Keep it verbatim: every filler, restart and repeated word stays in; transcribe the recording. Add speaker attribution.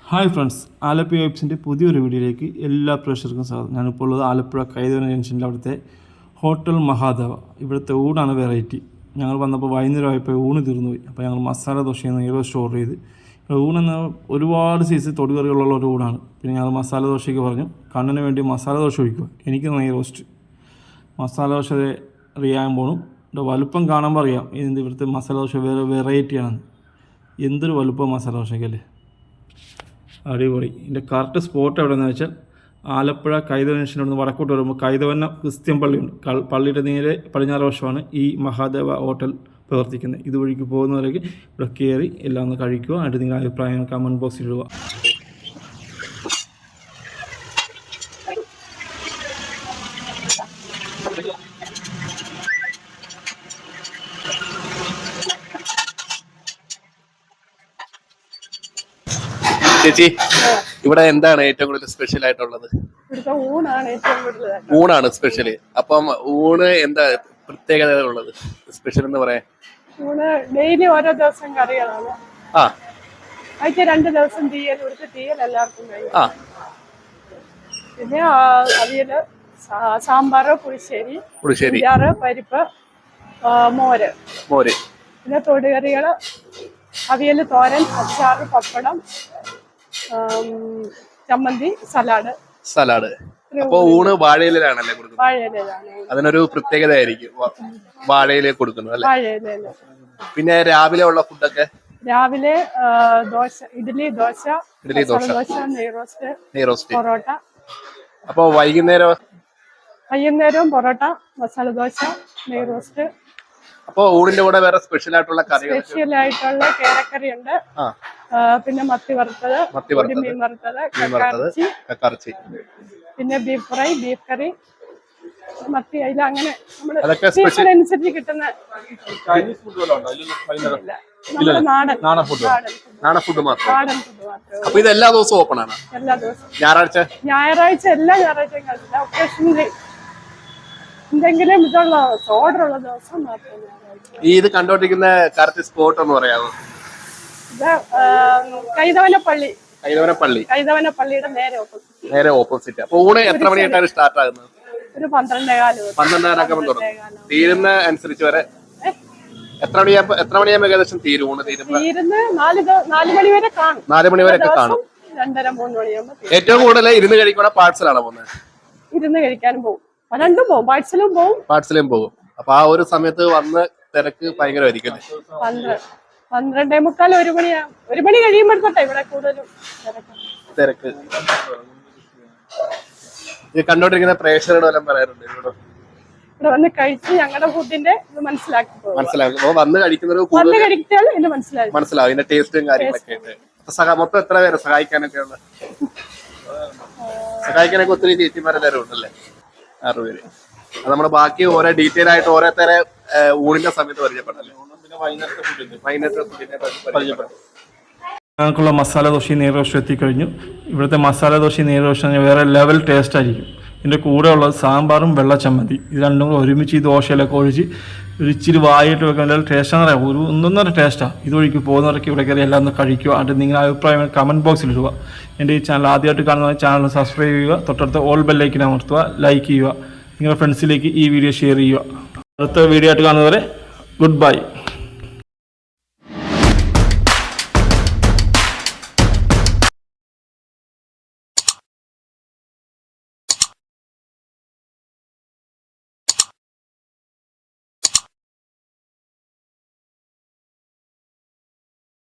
Speaker 1: Hi friends, Alappuzha വെബ്സിൻ്റെ പുതിയൊരു വീഡിയോയിലേക്ക് എല്ലാ പ്രേക്ഷകർക്കും സ്വാഗതം. ഞാനിപ്പോൾ ഉള്ളത് ആലപ്പുഴ കൈതവന ജംഗ്ഷനിലെ അവിടുത്തെ ഹോട്ടൽ മഹാദേവ. ഇവിടുത്തെ ഊണാണ് വെറൈറ്റി. ഞങ്ങൾ വന്നപ്പോൾ വൈകുന്നേരം ആയപ്പോൾ ഊണ് തീർന്നു പോയി. അപ്പോൾ ഞങ്ങൾ മസാല ദോശയെന്ന് നെയ്റോ സ്റ്റോർ ചെയ്ത് ഊണെന്ന ഒരുപാട് സൈസ് തൊടുകറികളുള്ള ഒരു ഊണാണ്. പിന്നെ ഞങ്ങൾ മസാല ദോശയ്ക്ക് പറഞ്ഞു കണ്ണിന് വേണ്ടി മസാല ദോശ ഒഴിക്കുക, എനിക്ക് നെയ് റോസ്റ്റ്. മസാല ദോശ അറിയാൻ പോകണം. ഇതിൻ്റെ വലുപ്പം കാണുമ്പോൾ അറിയാം ഇതിൻ്റെ ഇവിടുത്തെ മസാല ദോശ വേറെ വെറൈറ്റിയാണെന്ന്. എന്തൊരു വലുപ്പം മസാല ദോശയ്ക്കല്ലേ, അടിപൊളി. ഇതിൻ്റെ കറക്റ്റ് സ്പോട്ട് എവിടെയെന്ന് വെച്ചാൽ ആലപ്പുഴ കൈതവന ജംഗ്ഷനിൽ നിന്ന് വടക്കോട്ട് വരുമ്പോൾ കൈതവന ക്രിസ്ത്യൻ പള്ളിയുണ്ട്. പള്ളിയുടെ നേരെ പടിഞ്ഞാറ് വശമാണ് ഈ മഹാദേവ ഹോട്ടൽ പ്രവർത്തിക്കുന്നത്. ഇതുവഴിക്ക് പോകുന്നവരേക്ക് ഇവിടെ കയറി എല്ലാം ഒന്ന് കഴിക്കുക. എന്നിട്ട് നിങ്ങളുടെ അഭിപ്രായങ്ങൾ കമൻറ്റ് ബോക്സിൽ ഇടുക.
Speaker 2: ചേച്ചി, ഇവിടെ എന്താണ് ഏറ്റവും കൂടുതൽ സ്പെഷ്യൽ ആയിട്ടുള്ളത്? ഊണാണ് സ്പെഷ്യൽ. അപ്പം ഊണ് എന്താ പ്രത്യേകത ഉള്ളത്, സ്പെഷ്യൽ എന്ന് പറയാൻ?
Speaker 3: ഊണ് ഡെയിലി ഓരോ ദിവസം കറികളാണ്.
Speaker 2: ആ
Speaker 3: ആഴ്ച രണ്ട് ദിവസം തീയൽ, ഇവിടുത്തെ തീയൽ എല്ലാവർക്കും കഴിയും.
Speaker 2: ആ
Speaker 3: പിന്നെ അവിയല്, സാമ്പാറ്, പുളിശ്ശേരി,
Speaker 2: പുളിശ്ശേരി,
Speaker 3: അച്ചാറ്, പരിപ്പ്, മോര്
Speaker 2: മോര്
Speaker 3: പിന്നെ തൊടുകറികള്, അവിയല്, തോരൻ, അച്ചാറ്, പപ്പടം, ചമ്മന്തി, സലാഡ്.
Speaker 2: സലാഡ്. അപ്പൊ ഊണ് വാഴയിലാണല്ലേ കൊടുക്കുന്നത്?
Speaker 3: വാഴയിലാണ്.
Speaker 2: അതിനൊരു പ്രത്യേകത ആയിരിക്കും വാഴയില കൊടുക്കുന്നത് അല്ലേ?
Speaker 3: വാഴയില.
Speaker 2: പിന്നെ രാവിലെ ഉള്ള ഫുഡൊക്കെ?
Speaker 3: രാവിലെ ദോശ, ഇഡ്ഡലി, ദോശ,
Speaker 2: ഇഡ്ഡലി, ദോശ,
Speaker 3: ദോശ, നെയ് റോസ്റ്റ്,
Speaker 2: നെയ് റോസ്റ്റ്,
Speaker 3: പൊറോട്ട.
Speaker 2: അപ്പൊ വൈകുന്നേരം?
Speaker 3: വൈകുന്നേരവും പൊറോട്ട, മസാല ദോശ, നെയ് റോസ്റ്റ്.
Speaker 2: അപ്പൊ ഊണിന്റെ കൂടെ വേറെ സ്പെഷ്യൽ ആയിട്ടുള്ള കറികൾ? സ്പെഷ്യൽ
Speaker 3: ആയിട്ടുള്ള കേരക്കറി ഉണ്ട്, പിന്നെ മത്തി വറുത്തത്, മീൻ വറുത്തത്, കക്കാർച്ചി, പിന്നെ ബീഫ് ഫ്രൈ, ബീഫ് കറി, മത്തി അയില, അങ്ങനെ നമ്മുടെ സീസൺ അനുസരിച്ച് കിട്ടുന്ന നാടൻ നാടൻ ഫുഡ്
Speaker 2: നാടൻ ഫുഡ് മാത്രം.
Speaker 3: നാടൻ ഫുഡ് മാത്രം.
Speaker 2: അപ്പൊ ഇത് എല്ലാ ദിവസവും ഓപ്പൺ ആണ്?
Speaker 3: എല്ലാ ദിവസവും.
Speaker 2: ഞായറാഴ്ച? ഞായറാഴ്ച
Speaker 3: എല്ലാ ഞായറാഴ്ചയും കഴിച്ചില്ല. ഒക്കേഷണലി എന്തെങ്കിലും ഇതുള്ള ഓർഡർ ഉള്ള ദിവസം മാത്രം.
Speaker 2: ഈ ഇത് കണ്ടോണ്ടിരിക്കുന്ന കറക്റ്റ് സ്പോട്ട് എന്ന് പറയാമോ?
Speaker 3: ഇത് കൈതവനപ്പള്ളി.
Speaker 2: കൈതവനപ്പള്ളി.
Speaker 3: കൈതവനപ്പള്ളിയുടെ നേരെ ഓപ്പോസിറ്റ്.
Speaker 2: നേരെ ഓപ്പോസിറ്റ്. അപ്പൊ ഊണ് എത്ര മണിയായിട്ടാണ് സ്റ്റാർട്ട് ആകുന്നത്?
Speaker 3: ഒരു പന്ത്രണ്ടേ കാല്.
Speaker 2: പന്ത്രണ്ടരക്കെ തുടങ്ങും. തീരുന്ന അനുസരിച്ച് വരെ എത്ര മണിയാ എത്ര മണിയാകുമ്പോൾ ഏകദേശം തീരും ഊണ്? തീരുന്ന
Speaker 3: തീരുന്ന നാല് നാല് മണി വരെ കാണും.
Speaker 2: നാല് മണി വരെ ഒക്കെ കാണും.
Speaker 3: രണ്ടര മൂന്ന് മണിയാകുമ്പോൾ.
Speaker 2: ഏറ്റവും കൂടുതൽ ഇരുന്ന് കഴിക്കണ പാഴ്സലാണ് പോകുന്നത്?
Speaker 3: ഇരുന്ന് കഴിക്കാനും പോകും, രണ്ടും പോകും. പാഴ്സലും പോകും, പാഴ്സലും
Speaker 2: പോകും. അപ്പൊ ആ ഒരു സമയത്ത് വന്ന് തിരക്ക് ഭയങ്കരമായിരിക്കും.
Speaker 3: പന്ത്രണ്ടേ മുക്കാൽ ഒരു മണിയാ ഒരു മണി കഴിയുമ്പോഴത്തെ ഇവിടെ കൂടുതലും
Speaker 2: തിരക്ക്. ഇത് കണ്ടോണ്ടിരിക്കുന്ന പ്രേക്ഷകരോട് വല്ലതും പറയാറുണ്ട്? ഇവിടെ
Speaker 3: വന്ന് കഴിച്ച് ഞങ്ങളുടെ ഫുഡിന്റെ ഇത് മനസ്സിലാക്കി
Speaker 2: മനസ്സിലാക്കും. വന്ന് കഴിക്കുന്നവർ
Speaker 3: കഴിച്ചാൽ ഇത് മനസ്സിലാവും
Speaker 2: മനസ്സിലാവും ഇതിന്റെ ടേസ്റ്റും കാര്യങ്ങളൊക്കെ ആയിട്ട്. മൊത്തം എത്ര പേര് സഹായിക്കാനൊക്കെ ഉള്ള? സഹായിക്കാനൊക്കെ ഒത്തിരി ചേച്ചിമാരെല്ലാവരും ഉണ്ടല്ലേ? ആറ് പേര്. അത് നമ്മുടെ ബാക്കി ഓരോ ഡീറ്റെയിൽ ആയിട്ട് ഓരോരുത്തരെ ഊണിന്റെ സമയത്ത് പരിചയപ്പെട്ടല്ലേ?
Speaker 1: ഞങ്ങൾക്കുള്ള മസാല ദോശയും നെയ് റോസ്റ്റും എത്തിക്കഴിഞ്ഞു. ഇവിടുത്തെ മസാല ദോശയും നെയ് റോസ്റ്റും വേറെ ലെവൽ ടേസ്റ്റ് ആയിരിക്കും. ഇതിൻ്റെ കൂടെ ഉള്ളത് സാമ്പാറും വെള്ള ചമ്മന്തി. ഇത് രണ്ടും കൂടെ ഒരുമിച്ച് ഈ ദോശയിലൊക്കെ ഒഴിച്ച് ഒരു ഇച്ചിരി വായിട്ട് വെക്കാൻ ടേസ്റ്റാന്ന് പറയാം. ഒരു ഒന്നൊന്നര ടേസ്റ്റാണ്. ഇതുവഴിക്ക് പോകുന്നവരൊക്കെ ഇവിടെ കയറി എല്ലാം ഒന്ന് കഴിക്കുക. എന്നിട്ട് നിങ്ങളുടെ അഭിപ്രായം കമൻറ്റ് ബോക്സിൽ ഇടുക. എൻ്റെ ഈ ചാനൽ ആദ്യമായിട്ട് കാണുന്ന ചാനൽ സബ്സ്ക്രൈബ് ചെയ്യുക, തൊട്ടടുത്ത ഓൾ ബെല്ലൈക്കൻ അമർത്തുക, ലൈക്ക് ചെയ്യുക, നിങ്ങളുടെ ഫ്രണ്ട്സിലേക്ക് ഈ വീഡിയോ ഷെയർ ചെയ്യുക. അടുത്ത വീഡിയോ ആയിട്ട് കാണുന്നവരെ ഗുഡ് ബൈ.